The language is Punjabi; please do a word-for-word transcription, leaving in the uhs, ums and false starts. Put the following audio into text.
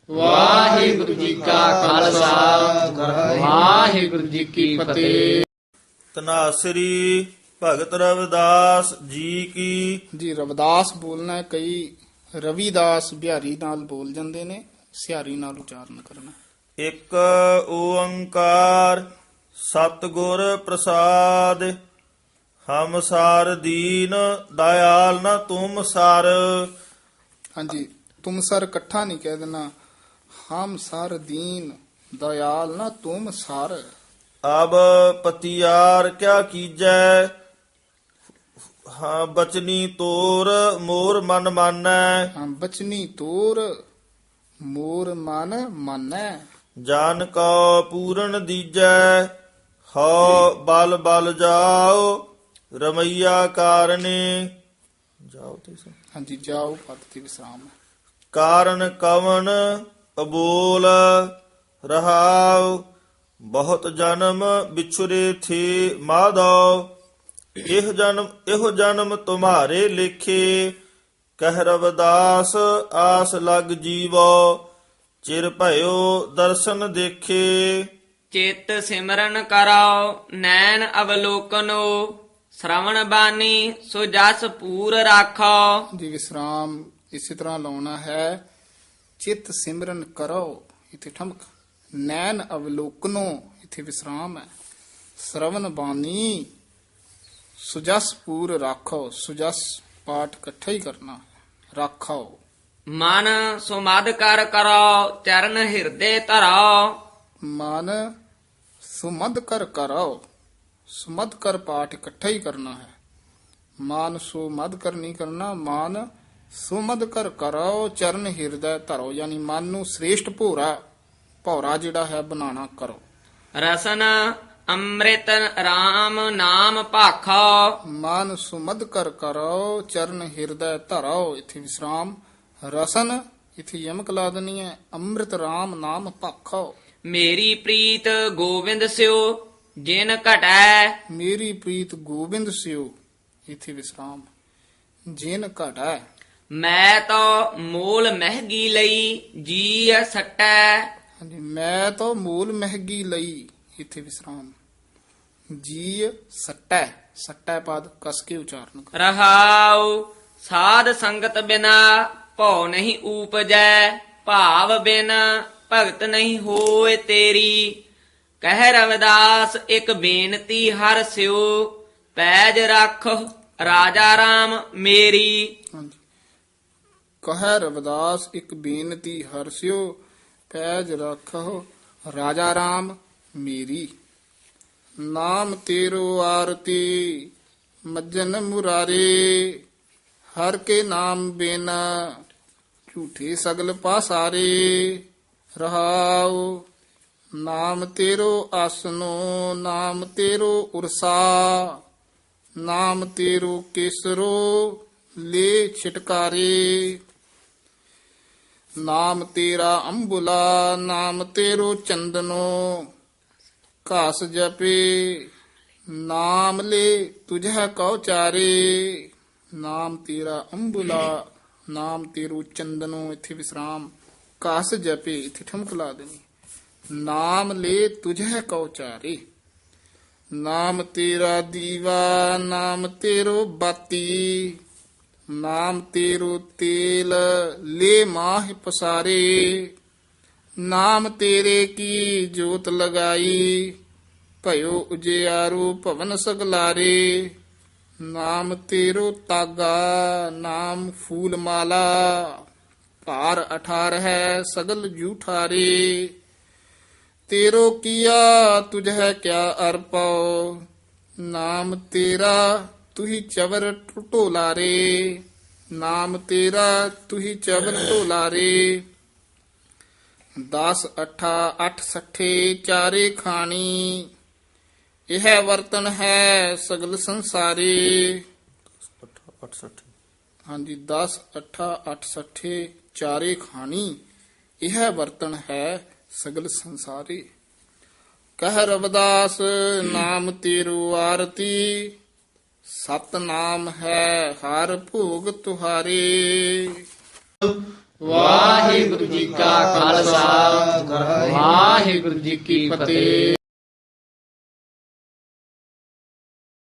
ਵਾਹਿਗੁਰੂ ਜੀ ਕਾ ਖਾਲਸਾ ਵਾਹਿਗੁਰੂ ਜੀ ਕੀ ਫਤਿਹ। ਤਨਾਸਰੀ ਭਗਤ ਰਵਿਦਾਸ ਜੀ ਕੀ। ਜੀ ਰਵਿਦਾਸ ਬੋਲਣਾ ਹੈ, ਕਈ ਰਵਿਦਾਸ ਬਿਹਾਰੀ ਨਾਲ ਬੋਲ ਜਾਂਦੇ ਨੇ, ਸਿਹਾਰੀ ਨਾਲ ਉਚਾਰਨ ਕਰਨਾ। ਇੱਕ ਓੰਕਾਰ ਸਤਿਗੁਰ ਪ੍ਰਸਾਦ, ਹਮ ਸਾਰ ਦੀਨ ਦਇਆਲ ਨਾ ਤੁਮ ਸਰ। ਹਾਂਜੀ, ਤੁਮ ਸਰ ਇਕੱਠਾ ਨਹੀਂ ਕਹਿ ਦੇਣਾ, ਹਮ ਸਰ ਦੀਨ ਦਇਆਲ ਨਾ ਤੁਮ ਸਰ। ਅਬ ਪਤਿਆਰ ਕਿਆ ਕੀਜੈ, ਹਾਂ ਬਚਨੀ ਤੋਰ ਮੋਰ ਮਨ ਮਾਨੈ। ਹਾਂ, ਬਚਨੀ ਤੋਰ ਮੋਰ ਮਨ ਮਾਨੈ। ਜਾਨ ਕਉ ਪੂਰਨ ਦੀਜੈ, ਹਉ ਬਲ ਬਲ ਜਾਓ ਰਮਈਆ ਕਾਰਨੇ। ਜਾਓ ਤੇ ਸੋ ਹਾਂਜੀ, ਜਾਓ ਪਦ ਤੇ ਵਿਸਰਾਮ ਹੈ। ਕਾਰਨ ਕਵਨ ਅਬੋਲ ਰਹਾਉ, ਬਹੁਤ ਜਨਮ ਵਿਛੁਰੇ ਥੇ ਮਾਧੋ। ਇਹ ਜਨਮ ਇਹੋ ਜਨਮ ਤੁਮਹਾਰੇ ਲੇਖੇ, ਕਹਿ ਰਵਿਦਾਸ ਆਸ ਲਗ ਜੀਵੋ। ਚਿਰ ਭਇਓ ਦਰਸ਼ਨ ਦੇਖੇ, ਚਿਤ ਸਿਮਰਨ ਕਰੋ ਨੈਣ ਅਵਲੋਕਨੋ। ਸ਼ਰਵਣ ਬਾਣੀ ਸੋ ਜਸ ਪੂਰ ਰਾਖੋ। ਜੀ ਵਿਸਰਾਮ ਇਸੇ ਤਰ੍ਹਾਂ ਲਾਉਣਾ ਹੈ। ਚਿਤ ਸਿਮਰਨ ਕਰੋ, ਇਥੇ ਠਮਕ। ਨੈਣ ਅਵਲੋਕਨੋ, ਇਥੇ ਵਿਸਰਾਮ ਹੈ। ਸ਼ਰਵਨ ਬਾਣੀ ਸੁਜਸ ਪੂਰ ਰਾਖੋ, ਸੁਜਸ ਪਾਠ ਇਕੱਠਾ ਹੀ ਕਰਨਾ, ਰਾਖੋ। ਮਨ ਸੁਮਦ ਕਰ ਕਰੋ ਚਰਨ ਹਿਰਦੇ ਧਰੋ। ਮਨ ਸੁਮਦ ਕਰ ਕਰੋ, ਸੁਮਦ ਕਰ ਪਾਠ ਇਕੱਠਾ ਹੀ ਕਰਨਾ ਹੈ। ਮਾਨ ਸੁਮਦ ਕਰ ਨਹੀਂ ਕਰਨਾ, ਮਾਨ ਸੁਮਦ ਕਰ ਕਰੋ ਚਰਨ ਹਿਰਦੈ ਧਰੋ, ਯਾਨੀ ਮਨ ਨੂੰ ਸ੍ਰੇਸ਼ਟ ਭੋਰਾ ਭੌਰਾ ਜਿਹੜਾ ਹੈ ਬਣਾਣਾ ਕਰੋ। ਰਸਨ ਅੰਮ੍ਰਿਤ RAM ਨਾਮ ਭਾਖੋ। ਮਨ ਸੁਮਦ ਕਰ ਕਰੋ ਚਰਨ ਹਿਰਦੈ ਧਰੋ, ਇਥੇ ਵਿਸਰਾਮ। ਰਸਨ ਇਥੇ ਯਮਕ ਲਾ ਦੇਣੀ ਹੈ। ਅੰਮ੍ਰਿਤ RAM ਨਾਮ ਭਾਖੋ। ਮੇਰੀ ਪ੍ਰੀਤ ਗੋਬਿੰਦ ਸਿਓ ਜਿਨ ਘਟੈ। ਮੇਰੀ ਪ੍ਰੀਤ ਗੋਬਿੰਦ ਸਿਓ, ਇਥੇ ਵਿਸਰਾਮ। ਜਿਨ ਘਟੈ। ਮੈਂ ਤਾਂ ਮੋਲ ਮਹਿਗੀ ਲਈ ਜੀ ਸਟੈ। ਹਾਂਜੀ, ਮੈਂ ਤਾਂ ਮੂਲ ਮਹਿਗੀ ਲਈ, ਇਥੇ ਵਿਸਰਾਮ। ਜੀ ਸਟੈ, ਸਟੈ ਪਦ ਕਸ ਕੇ ਉਚਾਰਨ ਕਰ। ਰਹਾਉ ਸਾਧ ਸੰਗਤ ਬਿਨਾ ਭਉ ਨਹੀਂ ਊਪਜੈ। ਭਾਵ ਬਿਨ ਭਗਤ ਨਹੀਂ ਹੋਏ ਤੇਰੀ। ਕਹਿ ਰਵਿਦਾਸ ਇੱਕ ਬੇਨਤੀ ਹਰ ਸਿਓ। ਪੈਜ ਰੱਖ ਰਾਜਾ ਰਾਮ ਮੇਰੀ। ਹਾਂਜੀ, ਕਹੈ ਰਵਿਦਾਸ ਇੱਕ ਬੇਨਤੀ ਹਰਸਿਓ। ਪੈਜ ਰੱਖੋ ਰਾਜਾ ਰਾਮ ਮੇਰੀ। ਨਾਮ ਤੇਰੋ ਆਰਤੀ ਮੱਜਨ ਮੁਰਾਰੇ। ਹਰ ਕੇ ਨਾਮ ਬਿਨ ਝੂਠੇ ਸਗਲ ਪਾਸਾਰੇ। ਰਹਾਉ ਨਾਮ ਤੇਰੋ ਆਸਨੋ, ਨਾਮ ਤੇਰੋ ਉਰਸਾ। ਨਾਮ ਤੇਰੋ ਕੇਸਰੋ ਲੈ ਛਿਟਕਾਰੇ। ਨਾਮ ਤੇਰਾ ਅੰਬੁਲਾ, ਨਾਮ ਤੇਰੋ ਚੰਦਨੋ। ਘਾਸ ਜਪੇ ਨਾਮ ਲੈ ਤੁਝੈ ਕਉ ਚਾਰੇ। ਨਾਮ ਤੇਰਾ ਅੰਬੁਲਾ, ਨਾਮ ਤੇਰੋ ਚੰਦਨੋ, ਇਥੇ ਵਿਸਰਾਮ। ਘਾਸ ਜਪੇ, ਇਥੇ ਠਮਕ ਲਾ ਦੇਣੀ। ਨਾਮ ਲੈ ਤੁਝੈ ਕਉ ਚਾਰੇ। ਨਾਮ ਤੇਰਾ ਦੀਵਾ, ਨਾਮ ਤੇਰੋ ਬਾਤੀ। ਨਾਮ ਤੇਰੋ ਤੇਲ ਲੈ ਮਾਹ ਪਸਾਰੇ। ਨਾਮ ਤੇਰੇ ਕੀ ਜੋਤ ਲਗਾਈ, ਭਇਓ ਉਜਿਆਰੂ ਭਵਨ ਸਗਲਾਰੇ। ਨਾਮ ਤੇਰੋ ਤਾਗਾ, ਨਾਮ ਫੂਲ ਮਾਲਾ। ਭਾਰ ਅਠਾਰ ਹੈ ਸਗਲ ਜੂਠਾਰੇ। ਤੇਰੋ ਕੀਆ ਤੁਝੈ ਕਿਆ ਅਰਪਉ। ਨਾਮ ਤੇਰਾ ਤੁਹੀ ਚਵਰ ਢੋਲਾਰੇ। ਨਾਮ ਤੇਰਾ ਤੁਹੀ ਚਵਰ ਢੋਲਾਰੇ। ਦਸ ਅਠਾ ਅੱਠ ਸੱਠੇ ਚਾਰੇ ਖਾਣੀ। ਇਹ ਵਰਤਨ ਹੈ ਸਗਲ ਸੰਸਾਰੇ। ਹਾਂਜੀ, ਦਸ ਅਠਾ ਅੱਠ ਸੱਠੇ ਚਾਰੇ ਖਾਣੀ। ਇਹ ਵਰਤਨ ਹੈ ਸਗਲ ਸੰਸਾਰੇ। ਕਹਿ ਰਵਿਦਾਸ ਨਾਮ ਤੇਰੂ ਆਰਤੀ। ਸਤ ਨਾਮ ਹੈ ਹਰ ਭੋਗ ਤੁਹਾਰੇ। ਵਾਹਿਗੁਰੂ ਜੀ ਕਾ ਖਾਲਸਾ ਵਾਹਿਗੁਰੂ ਜੀ ਕੀ ਫਤਿਹ।